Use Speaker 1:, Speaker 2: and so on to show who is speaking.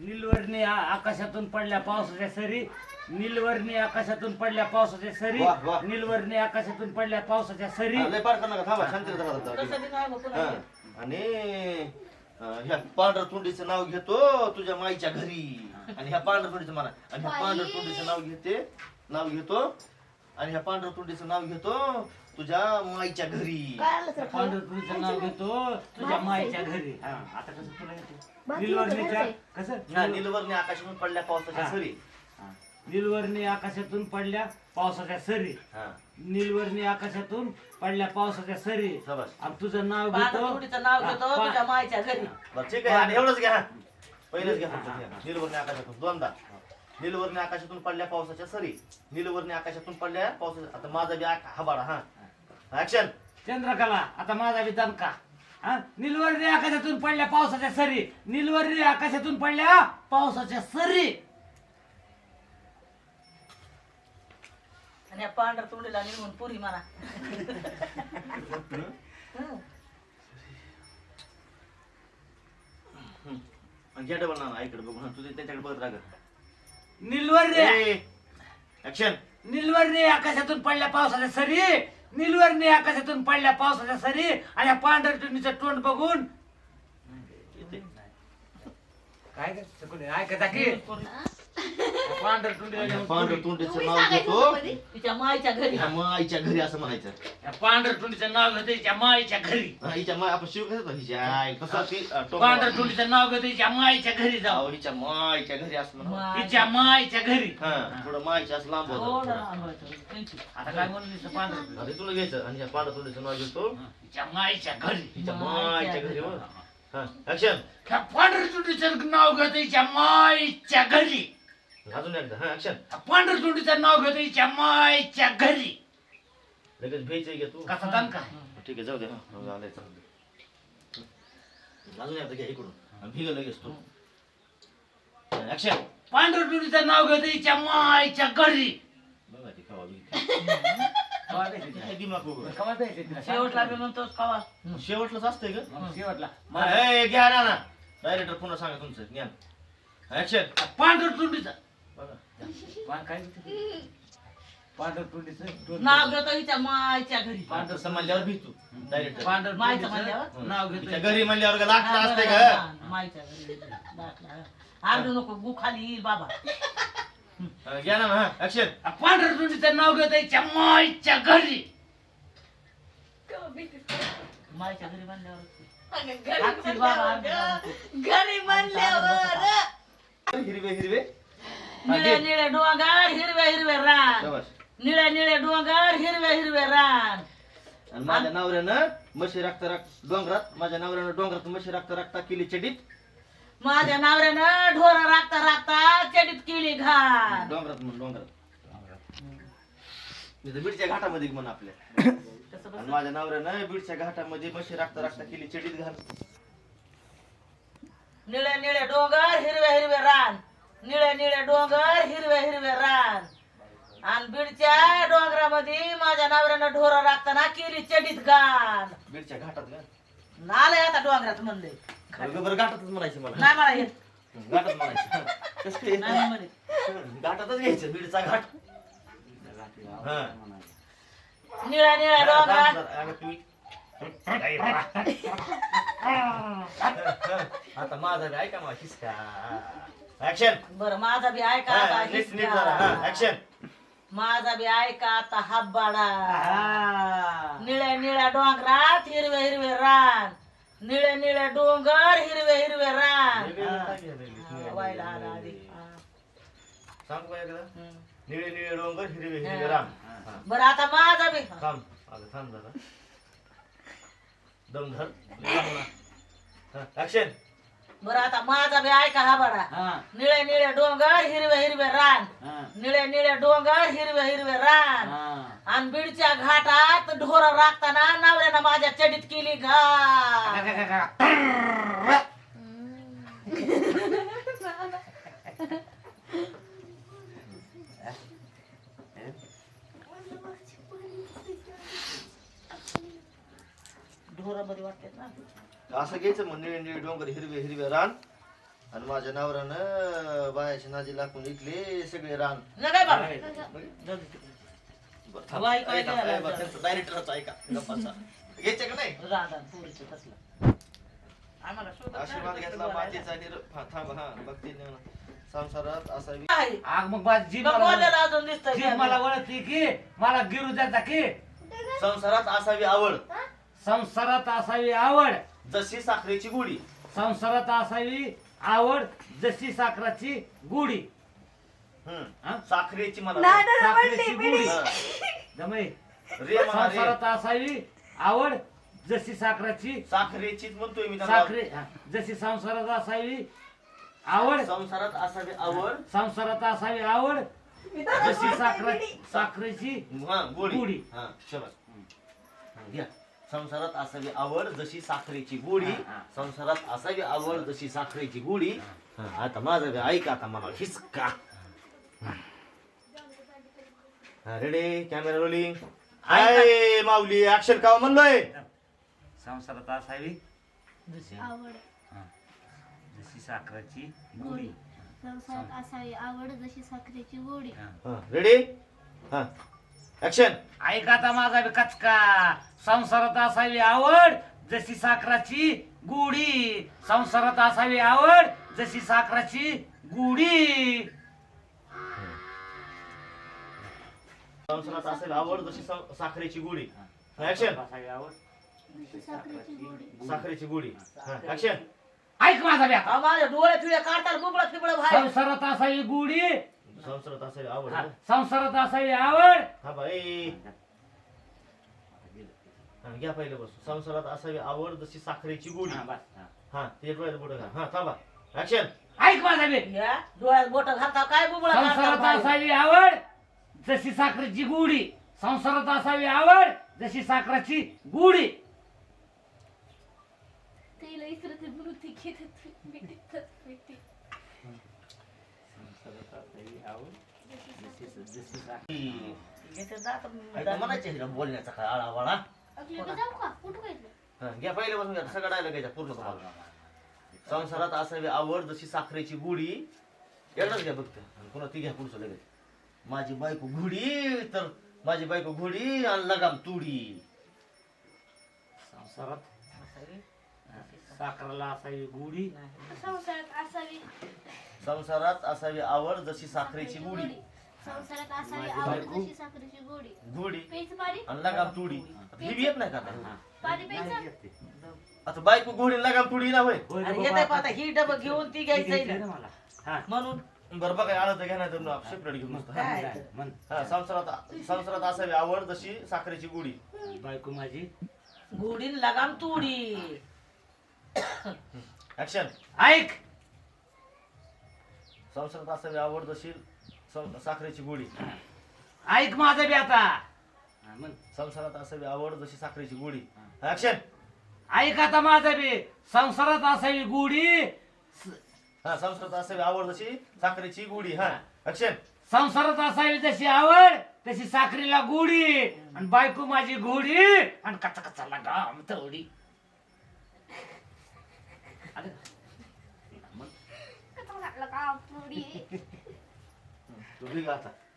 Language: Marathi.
Speaker 1: निलवर्णी आकाशातून पडल्या पावसाच्या सरी, निलवर्णी आकाशातून पडल्या पावसाच्या सरी,
Speaker 2: वाह, वाह.
Speaker 1: निलवर्णी आकाशातून पडल्या पावसाच्या सरी.
Speaker 2: लय पाठ कर नका थांबा शांती
Speaker 3: तसं बी नाही बघ पुन्हा.
Speaker 2: आणि ह्या पांढरतोंडीचं नाव घेतो तुझ्या माईच्या घरी आणि ह्या पांढरतोंडीचं म्हणा आणि ह्या पांढरतोंडीचं नाव घेतो आणि ह्या पांढरतोंडीचं नाव घेतो तुझ्या माईच्या घरी.
Speaker 3: काय आलं सर खायला?
Speaker 1: पांढरपुरीचं नाव घेतो तुझ्या माईच्या घरी. हा, आता कसं तुला येते निलवर्णीच्या कसं
Speaker 2: हा, निलवर्णी आकाशातून पडल्या पावसाच्या
Speaker 1: हा.
Speaker 2: सरी.
Speaker 1: हा. निलवर्णी आकाशातून पडल्या पावसाच्या सरी,
Speaker 2: हा,
Speaker 1: निलवर्णी आकाशातून पडल्या पावसाच्या सरी.
Speaker 2: शाबास.
Speaker 1: आणि तुझं नाव घेतो
Speaker 3: पांढरपुरीचं नाव घेतो
Speaker 1: हा,
Speaker 3: तुझ्या मायच्या घरी.
Speaker 2: बरं ठीक आहे आणि एवढंच घ्या. पहिलेच घ्या फक्त घ्या. निलवर्णी आकाशातून दोनदा. निलवर्णी आकाशातून पडल्या पावसाच्या सरी, निलवर्णी आकाशातून पडल्या पावसाच्या. आता माझा बी हबाडा. हा ऍक्शन.
Speaker 1: चंद्रकला आता माझा बी दणका. हा, निलवर्णी आकाशातून पडल्या पावसाच्या सरी, निलवर्णी आकाशातून पडल्या पावसाच्या सरी.
Speaker 3: आणि या पांढर तोंडीला निघून पुरी म्हणा.
Speaker 2: आणि घ्या डबल ना इकडे बघू. तुझे त्यांच्याकडे बघत राहा.
Speaker 1: निलवर्णी
Speaker 2: ऍक्शन.
Speaker 1: निलवर्णी आकाशातून पडल्या पावसाच्या सरी, निलवर्णी आकाशातून पडल्या पावसाच्या सरी. आणि या पांढरटुनीचं तोंड बघून काय ऐकता की
Speaker 2: पांढरतोंडीचं नाव घेतो
Speaker 3: तिच्या मायच्या घरी.
Speaker 2: ह्या माईच्या घरी असं म्हणायचं.
Speaker 1: पांढरटुनीचं नाव घेतो हिच्या माईच्या घरी.
Speaker 2: हा, हिच्या माय आपण शिव कसं हिच्या आई कसं ती
Speaker 1: पांढरटुनीचं नाव घेतो हिच्या माईच्या घरी जाऊ.
Speaker 2: हिच्या माईच्या घरी असं म्हणा.
Speaker 1: हिच्या माईच्या घरी.
Speaker 2: हा थोडं माईच्या असं लांब
Speaker 3: थोडं
Speaker 2: होतं.
Speaker 3: लांब होतं. त्यांची.
Speaker 1: आता काय म्हणून पांढर
Speaker 2: अरे तुला घ्यायचं आणि ह्या पांढरतोंडीचं नाव घेतो
Speaker 1: हिच्या माईच्या घरी.
Speaker 2: हिच्या माईच्या घरी. हो. हा ऍक्शन.
Speaker 1: त्या पांढरटुनीचं नाव घेतो हिच्या माईच्या घरी.
Speaker 2: अजून एकदा. हा ऍक्शन.
Speaker 1: पांढरटुनीचं नाव घेतो हिच्या माईच्या घरी.
Speaker 2: लगेच भेटचे घे तू.
Speaker 1: कसा दणका
Speaker 2: ठीक आहे जाऊ दे. हा झालंय चांगलं. अजून एकदा घ्या इकडून आणि भिग लगेच तू. ऍक्शन.
Speaker 1: पांढरटुनीचं नाव घेतो हिच्या माईच्या घरी.
Speaker 2: बघा ती खावा बी.
Speaker 1: कवा द्यायची
Speaker 2: काय दिमाग उघड.
Speaker 1: तिला? कवा द्यायची तिला?
Speaker 3: शेवटला बी म्हणतोस कवा.
Speaker 2: शेवटलाच असतंय का?
Speaker 1: मग शेवटला
Speaker 2: ए, घ्या ना डायरेक्टर पुन्हा सांगा तुमचं ज्ञान. ऍक्शन.
Speaker 1: पांढरटुनीचं
Speaker 2: बघा
Speaker 1: काय पांढरटुनीचं तोंड.
Speaker 3: नाव घेतो हिच्या मायच्या घरी.
Speaker 2: पांढर म्हणल्यावर भीतू डायरेक्टर.
Speaker 3: माईचं
Speaker 1: पांढरटुनीचं
Speaker 3: म्हणल्यावर?
Speaker 1: नाव
Speaker 2: तिच्या
Speaker 1: घेतो
Speaker 2: घरी म्हणल्यावर का लागलं
Speaker 3: हा,
Speaker 2: असतंय
Speaker 3: बरं,
Speaker 2: का?
Speaker 3: हा, माईच्या घरी दाखला. आरडू नको गु खाली येईल बाबा.
Speaker 2: घ्या ना हा ऍक्शन.
Speaker 1: पांढरटुनीचं नाव घेतो हिच्या माईच्या घरी.
Speaker 3: माईच्या घरी म्हणल्यावर
Speaker 4: घरी म्हणल्यावर
Speaker 2: हिरवे हिरवे.
Speaker 3: निळे निळे डोंगर हिरवे हिरवे रान.
Speaker 2: शाबास.
Speaker 3: निळे निळे डोंगर हिरवे हिरवे रान.
Speaker 2: आणि माझ्या नवऱ्यानं म्हशी राखता डोंगरात माझ्या नवऱ्यानं डोंगरात म्हशी राखता केली चडीत.
Speaker 3: माझ्या नवऱ्यानं ढोर राखता राखता चडीत केली घाण.
Speaker 2: डोंगरात म्हणून डोंगरात तिथं बीडच्या घाटामध्ये म्हण आपल्या.
Speaker 3: तसं
Speaker 2: आणि
Speaker 3: बस.
Speaker 2: माझ्या नवऱ्यानं बीडच्या घाटामध्ये म्हशी राखता केली चडीत घाल.
Speaker 3: निळे निळे डोंगर हिरवे हिरवे रान. निळे निळे डोंगर हिरवे हिरवे रान. आणि बीडच्या डोंगरामध्ये माझ्या नवऱ्यानं ढोर राखताना केली चडीत घाण.
Speaker 2: बीडच्या घाटात का
Speaker 3: आलंय आता डोंगरात म्हणले.
Speaker 2: बरं घाटातच म्हणायचं मला.
Speaker 3: नाही मला येत.
Speaker 2: घाटात म्हणायचं. कसं काय येत
Speaker 3: नाही
Speaker 2: नाही?
Speaker 3: म्हणे.
Speaker 2: घाटातच घ्यायचं बीडचा घाट. हा.
Speaker 3: निळ्या निळ्या डोंगरात
Speaker 2: अगं तुम्ही आता माझा बी ऐका माझी ऍक्शन.
Speaker 3: बर माझा बी ऐका आता
Speaker 2: नीट नीट जरा. हा
Speaker 3: हिसका.
Speaker 2: ऍक्शन.
Speaker 3: माझा बी ऐका आता हब्बाडा.
Speaker 1: हा.
Speaker 3: निळ्या निळ्या डोंगरात हिरवे हिरवे रान. निळे निळे डोंगर हिरवे हिरवे रान. वायला आला आधी.
Speaker 2: सांग एकदा.
Speaker 3: हम्म.
Speaker 2: निळे निळे डोंगर हिरवे हिरवे राम.
Speaker 3: बरं आता माझा बी
Speaker 2: थांब अगं थांब जरा. दम धर. ऍक्शन.
Speaker 3: बरं आता माझा बी ऐका हब्बाडा.
Speaker 1: हा.
Speaker 3: निळे निळे डोंगर हिरवे हिरवे रान.
Speaker 1: हा.
Speaker 3: निळे निळे डोंगर हिरवे हिरवे रान.
Speaker 1: हा.
Speaker 3: आणि बीडच्या घाटात ढोर राखताना नवऱ्यानं माझ्या चडीत केली घाण. ढोरामध्ये वाटतात ना.
Speaker 2: असं घ्यायचं मग निळे निळे डोंगर हिरवे हिरवे रान आणि माझ्या नवऱ्यानं बायाच्या नादी लागून इकले सगळे रान.
Speaker 3: नाही काय बाबा
Speaker 2: बरं, थांब.
Speaker 3: हवा ऐकायला
Speaker 2: ऐका,
Speaker 3: आला
Speaker 2: ऐका,
Speaker 3: होता.
Speaker 2: त्यांचं डायरेक्टरच ऐका गप्पाचा. घ्यायचे का नाही
Speaker 3: राहणार पोरीचं तसलं आम्हाला शोधत
Speaker 2: आशीर्वाद
Speaker 3: नाही,
Speaker 2: घेतला
Speaker 3: तसलं
Speaker 2: मातीचा थांब हा बघते ना. संसारात असावी
Speaker 3: आहे.
Speaker 1: आग मग माझी जीभ
Speaker 3: मग
Speaker 1: मला
Speaker 3: बोलायला अजून दिसतंय
Speaker 1: जीभ मला वळती की मला गिरू द्यायचा की
Speaker 2: संसारात असावी आवड
Speaker 1: संसारात असावी आवड
Speaker 2: जशी साखरेची गुढी.
Speaker 1: संसारात असावी आवड जशी साखराची गुढी हा?
Speaker 2: साखरेची मला
Speaker 4: नाही, नाही,
Speaker 1: साखरेची
Speaker 4: म्हणली,
Speaker 1: गुढी
Speaker 2: हा.
Speaker 1: जमाई
Speaker 2: रे म्हणा रे.
Speaker 1: संसारात असावी आवड जशी साखराची
Speaker 2: साखरेचीच म्हणतोय मी त्यांना.
Speaker 1: साखरे हा. जशी संसारात असावी आवड
Speaker 2: संसारात असावी आवड
Speaker 1: संसारात असावी आवड जशी साखरेची
Speaker 2: हा
Speaker 1: गुढी.
Speaker 2: गोडी हा शाबास. घ्या संसारात असावी आवड जशी साखरेची गोडी.
Speaker 1: हा, हा.
Speaker 2: संसारात असावी आवड जशी साखरेची गोडी. हा, आता माझं बी ऐका आता मला हिसका. Ready camera rolling. Hi Mauli action का म्हणलोय.
Speaker 1: संसारात असावी
Speaker 4: आवड
Speaker 1: हा. जशी साखराची गुढी
Speaker 4: संसारात असावी आवड जशी साखरेची गोडी.
Speaker 1: हा.
Speaker 2: रेडी हा ऍक्शन.
Speaker 1: ऐका आता माझा बी कचका संसारात असावी आवड जशी साखराची गुढी संसारात असावी आवड जशी साखराची गुढी
Speaker 2: संसारात असावी आवड जशी साखरेची गोडी. ऍक्शन.
Speaker 1: असावी आवड
Speaker 4: जशी साखरेची गोडी.
Speaker 2: साखरेची गोडी. ऍक्शन.
Speaker 1: ऐक माझा बी आता
Speaker 3: हा, माझ्या डोळे फिळे काढतात बुबळा फिबळ बाहेर
Speaker 1: संसारात असावी गुढी
Speaker 2: संसारात असावी आवड.
Speaker 1: हा. संसारात असावी आवड
Speaker 2: हा बाई घ्या पहिले बस. संसारात असावी आवड जशी साखरेची गोडी.
Speaker 1: हा, बस, हा.
Speaker 2: हा ते डोळ्यात बोट घा. हा थांबा ऍक्शन.
Speaker 1: ऐक माझा बी
Speaker 3: या डोळ्यात बोट घालता काय बुबळा काढतात
Speaker 1: संसारात
Speaker 3: बाहेर.
Speaker 1: असावी आवड जशी साखरेची गुढी संसारात असावी आवड जशी साखराची गुढी
Speaker 4: तिला इसरते म्हणून ती घेते भेटी.
Speaker 3: इथे जात
Speaker 2: म्हणायचे बोलण्याचा काय आळावाळा.
Speaker 4: लगेच जाऊ का कुठं काय
Speaker 2: घ्या पहिले बसून घ्या सगळं डायलॉग घ्यायचा पूर्ण तुम्हाला. संसारात असावी आवड जशी साखरेची गुढी. एवढंच घ्या फक्त आणि पुन्हा ती घ्या पुढचं लगेच. माझी बायको घोडी तर माझी बायको घोडी आणि लगाम तुडी.
Speaker 1: संसारात साखरेला असावी गुढी
Speaker 4: संसारात असावी
Speaker 2: संसारात असावी आवड जशी साखरेची गुढी.
Speaker 4: संसारात असावी आवड जशी साखरेची गोडी.
Speaker 2: घोडी
Speaker 4: प्यायचं पाणी
Speaker 2: आणि लगाम तुडी. आता ही बी येत नाही का आता.
Speaker 4: पाणी प्यायचं.
Speaker 2: आता बायको घोडी आणि लगाम तुडी ना होय.
Speaker 3: आणि येते पाहता ही डबं घेऊन ती घ्यायचंय ना.
Speaker 1: मला हा
Speaker 3: म्हणून
Speaker 2: बरं बघा आलं तर घ्या नाही तर सेपरेट घेऊन बसतो. हा.
Speaker 3: काय?
Speaker 1: म्हण.
Speaker 2: हा संसारात असावी आवड जशी साखरेची गुढी.
Speaker 1: बायको माझी
Speaker 3: गुढीन लगाम तुडी.
Speaker 2: ऍक्शन.
Speaker 1: ऐक
Speaker 2: संसारात असावी आवड जशी साखरेची गुढी.
Speaker 1: ऐक माझं बी आता हा, म्हण.
Speaker 2: संसारात असावी आवड जशी साखरेची गुढी. ऍक्शन.
Speaker 1: ऐक आता माझं बी संसारात असावी गुढी
Speaker 2: हा संसारात असावी आवड जशी साखरेची गुढी. हा ऍक्शन.
Speaker 1: संसारात असावी जशी आवड तशी साखरीला गुढी आणि बायको माझी घोडी आणि कचा कचा लगाम थोडी
Speaker 4: कसा लागला का पोरी.
Speaker 2: तू बी गा आता.